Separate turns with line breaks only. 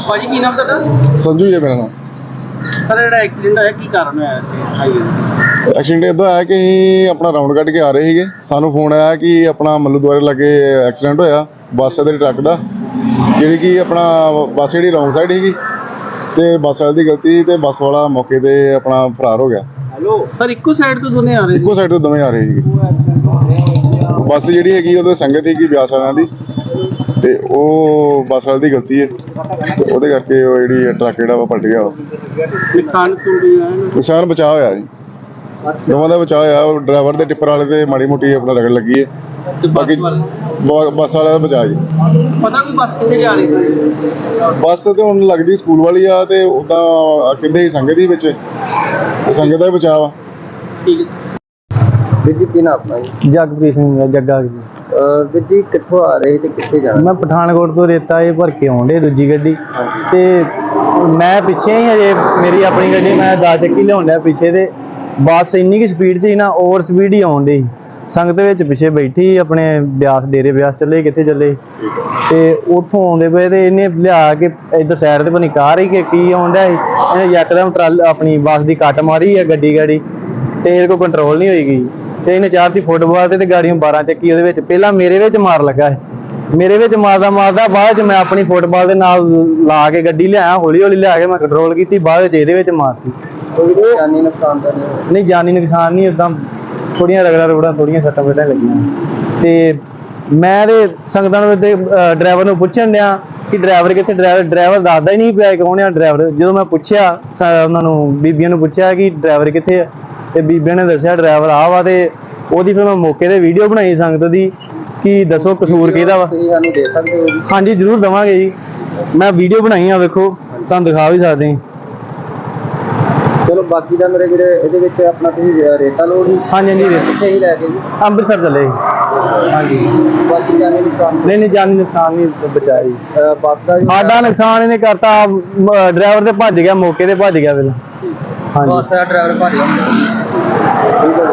ਭਾਜੀ ਕੀ ਨਾਮ ਤੁਹਾਡਾ?
संजू जी मेरा नाम।
ਸਰ ਜਿਹੜਾ ਐਕਸੀਡੈਂਟ ਹੋਇਆ ਕੀ ਕਾਰਨ ਹੋਇਆ ਇੱਥੇ ਹਾਈਵੇ ਤੇ?
ਐਕਸੀਡੈਂਟ ਇਦਾਂ ਆਇਆ ਕਿ ਅਸੀਂ ਆਪਣਾ ਰਾਉਂਡ ਕੱਢ ਕੇ ਆ ਰਹੇ ਸੀਗੇ। ਸਾਨੂੰ ਫੋਨ ਆਇਆ ਕਿ ਆਪਣਾ ਮੱਲੂ ਦੁਆਰੇ ਲਾਗੇ ਐਕਸੀਡੈਂਟ ਹੋਇਆ ਬੱਸ ਦੇ ਟਰੱਕ ਦਾ, ਜਿਹੜੀ ਕਿ ਆਪਣਾ ਬੱਸ ਜਿਹੜੀ ਰੌਂਗ ਸਾਈਡ ਸੀਗੀ ਤੇ ਬੱਸ ਵਾਲੇ ਦੀ ਗਲਤੀ ਤੇ ਬੱਸ ਵਾਲਾ ਮੌਕੇ ਤੇ ਆਪਣਾ ਫਰਾਰ ਹੋ ਗਿਆ।
ਹੈਲੋ ਸਰ, ਇੱਕੋ ਸਾਈਡ ਤੋਂ ਦੋਨੇ ਆ ਰਹੇ ਸੀ?
ਇੱਕੋ ਸਾਈਡ ਤੋਂ ਦੋਵੇਂ ਆ ਰਹੇ ਸੀਗੇ। ਬੱਸ ਜਿਹੜੀ ਹੈਗੀ ਉਹਦੇ ਸੰਗਤ ਸੀਗੀ ਬਿਆਸ ਵਾਲਿਆਂ ਦੀ ਤੇ ਉਹ ਬੱਸ ਵਾਲੇ ਦੀ ਗਲਤੀ ਹੈ ਤੇ ਉਹਦੇ ਕਰਕੇ ਉਹ ਜਿਹੜੀ ਟਰੱਕ ਜਿਹੜਾ ਵਾ ਪਲਟ ਗਿਆ।
ਨੁਕਸਾਨ ਕੀ ਹੋਇਆ?
ਨੁਕਸਾਨ ਬਚਾਅ ਹੋਇਆ ਜੀ, ਦੋਵਾਂ ਦਾ ਬਚਾਅ ਹੋਇਆ। ਉਹ ਡਰਾਈਵਰ ਤੇ ਟਿੱਪਰ ਵਾਲੇ ਤੇ ਮਾੜੀ ਮੋਟੀ ਆਪਣਾ ਰਗੜ ਲੱਗੀ ਹੈ,
ਤੇ
ਬਾਕੀ ਬੱਸ ਵਾਲਿਆਂ ਦਾ ਬਚਾਅ ਜੀ।
ਪਤਾ ਕੋਈ ਬੱਸ ਕਿੱਥੇ ਜਾ ਰਹੀ ਸੀ?
ਬੱਸ ਤੇ ਹੁਣ ਲੱਗਦੀ ਸਕੂਲ ਵਾਲੀ ਆ ਤੇ ਉਦਾਂ ਕਹਿੰਦੇ ਸੀ ਸੰਗਤ ਹੀ ਵਿੱਚ, ਤੇ ਸੰਗਤ ਦਾ ਹੀ ਬਚਾਅ ਵਾ।
ਠੀਕ ਹੈ ਵੀਰ ਜੀ, ਕੀ ਨਾਮ ਆਪਣਾ ਜੀ?
ਜਗਪ੍ਰੀਤ ਸਿੰਘ ਜੱਗਾ ਜੀ।
ਵੀਰ ਜੀ ਕਿੱਥੋਂ ਆ ਰਹੇ ਤੇ ਕਿੱਥੇ ਜਾਣਾ?
ਮੈਂ ਪਠਾਨਕੋਟ ਤੋਂ ਰੇਤਾ ਇਹ ਭਰ ਕੇ ਆਉਂਦੇ ਦੂਜੀ ਗੱਡੀ ਤੇ ਮੈਂ ਪਿੱਛੇ ਹੀ ਹਜੇ ਮੇਰੀ ਆਪਣੀ ਗੱਡੀ ਮੈਂ 10 ਚੱਕੀ ਲਿਆਉਣ ਡਿਆ ਪਿੱਛੇ ਤੇ ਬੱਸ ਇੰਨੀ ਕੀ ਸਪੀਡ ਸੀ ਨਾ, ਓਵਰ ਸਪੀਡ ਹੀ ਆਉਣ ਡਈ। ਸੰਗਤ ਵਿੱਚ ਪਿੱਛੇ ਬੈਠੀ ਆਪਣੇ ਬਿਆਸ ਡੇਰੇ ਬਿਆਸ ਚੱਲੇ ਕਿੱਥੇ ਚੱਲੇ ਤੇ ਉੱਥੋਂ ਆਉਂਦੇ ਪਏ ਤੇ ਇਹਨੇ ਲਿਆ ਕੇ ਇੱਧਰ ਸਾਈਡ ਤੇ ਬਣੀ ਕਾਰ ਹੀ ਕਿ ਕੀ ਆਉਣ ਡਿਆ ਸੀ, ਇਹਨੇ ਯਕਦਮ ਆਪਣੀ ਬੱਸ ਦੀ ਕੱਟ ਮਾਰੀ ਆ ਗੱਡੀ ਤੇ ਇਹਦੇ ਕੋਲ ਕੰਟਰੋਲ ਨਹੀਂ ਹੋਈ ਗਈ ਤੇ ਇਹਨੇ ਚਾਰਤੀ ਫੁੱਟਬਾਲ ਤੇ ਗਾੜੀਆਂ 12 ਚੱਕੀ ਉਹਦੇ ਵਿੱਚ ਪਹਿਲਾਂ ਮੇਰੇ ਵਿੱਚ ਮਾਰ ਲੱਗਾ ਹੈ। ਮੇਰੇ ਵਿੱਚ ਮਾਰਦਾ ਬਾਅਦ ਚ ਮੈਂ ਆਪਣੀ ਫੁੱਟਬਾਲ ਦੇ ਨਾਲ ਲਾ ਕੇ ਗੱਡੀ ਲਿਆਇਆ, ਹੌਲੀ ਹੌਲੀ ਲਿਆ ਕੇ ਮੈਂ ਕੰਟਰੋਲ ਕੀਤੀ, ਬਾਅਦ ਵਿੱਚ ਇਹਦੇ ਵਿੱਚ ਮਾਰਤੀ।
ਜਾਨੀ ਨੁਕਸਾਨ ਤਾਂ
ਨਹੀਂ ਜਾਨੀ ਨੁਕਸਾਨ ਨਹੀਂ, ਏਦਾਂ ਥੋੜੀਆਂ ਰਗੜਾਂ ਥੋੜੀਆਂ ਸੱਟਾਂ ਫੇਟਾਂ ਲੱਗੀਆਂ। ਤੇ ਮੈਂ ਤੇ ਸੰਗਤਾਂ ਨੂੰ ਡਰਾਈਵਰ ਨੂੰ ਪੁੱਛਣ ਡਿਆ ਕਿ ਡਰਾਈਵਰ ਕਿੱਥੇ, ਡਰਾਈਵਰ ਦੱਸਦਾ ਹੀ ਨਹੀਂ ਪਿਆ ਕੌਣ ਆ ਡਰਾਈਵਰ। ਜਦੋਂ ਮੈਂ ਪੁੱਛਿਆ ਉਹਨਾਂ ਨੂੰ ਬੀਬੀਆਂ ਨੂੰ ਪੁੱਛਿਆ ਕਿ ਡਰਾਈਵਰ ਕਿੱਥੇ ਆ ਤੇ ਬੀਬੀਆਂ ਨੇ ਦੱਸਿਆ ਡਰਾਈਵਰ ਆ ਵਾ, ਤੇ ਉਹਦੀ ਫਿਰ ਮੈਂ ਮੌਕੇ ਤੇ ਵੀਡੀਓ ਬਣਾਈ ਸੰਗਤ ਦੀ ਕਿ ਦੱਸੋ ਕਸੂਰ ਕਿਹਦਾ ਵਾ।
ਤੁਸੀਂ ਸਾਨੂੰ ਦੇ ਸਕਦੇ ਹੋ ਜੀ?
ਹਾਂਜੀ ਜ਼ਰੂਰ ਦੇਵਾਂਗੇ ਜੀ, ਮੈਂ ਵੀਡੀਓ ਬਣਾਈ ਆ, ਵੇਖੋ ਤੁਹਾਨੂੰ ਦਿਖਾ ਵੀ ਸਕਦੇ ਹਾਂ।
ਚਲੋ ਬਾਕੀ ਦਾ ਮੇਰੇ ਵੀਰੇ ਇਹਦੇ ਵਿੱਚ ਆਪਣਾ ਤੁਸੀਂ ਰੇਤਾ ਲੋਡ ਹੀ?
ਹਾਂਜੀ ਹਾਂਜੀ
ਕਿੱਥੇ ਹੀ ਲੈ ਕੇ ਜੀ?
ਅੰਮ੍ਰਿਤਸਰ ਚੱਲੇ ਹਾਂਜੀ।
ਬਾਕੀ ਜਾਨੀ ਨੁਕਸਾਨ?
ਨਹੀਂ ਜਾਨੀ ਨੁਕਸਾਨ ਨਹੀਂ ਬਚਾਇਆ ਜੀ।
ਬੱਸ ਦਾ ਜੀ?
ਸਾਡਾ ਨੁਕਸਾਨ ਇਹਨੇ ਕਰਤਾ, ਡਰਾਈਵਰ ਤੇ ਭੱਜ ਗਿਆ, ਮੌਕੇ ਤੇ ਭੱਜ ਗਿਆ ਪਹਿਲਾਂ। ਹਾਂਜੀ
ਬੱਸ ਦਾ ਡਰਾਈਵਰ ਭੱਜ ਗਿਆ।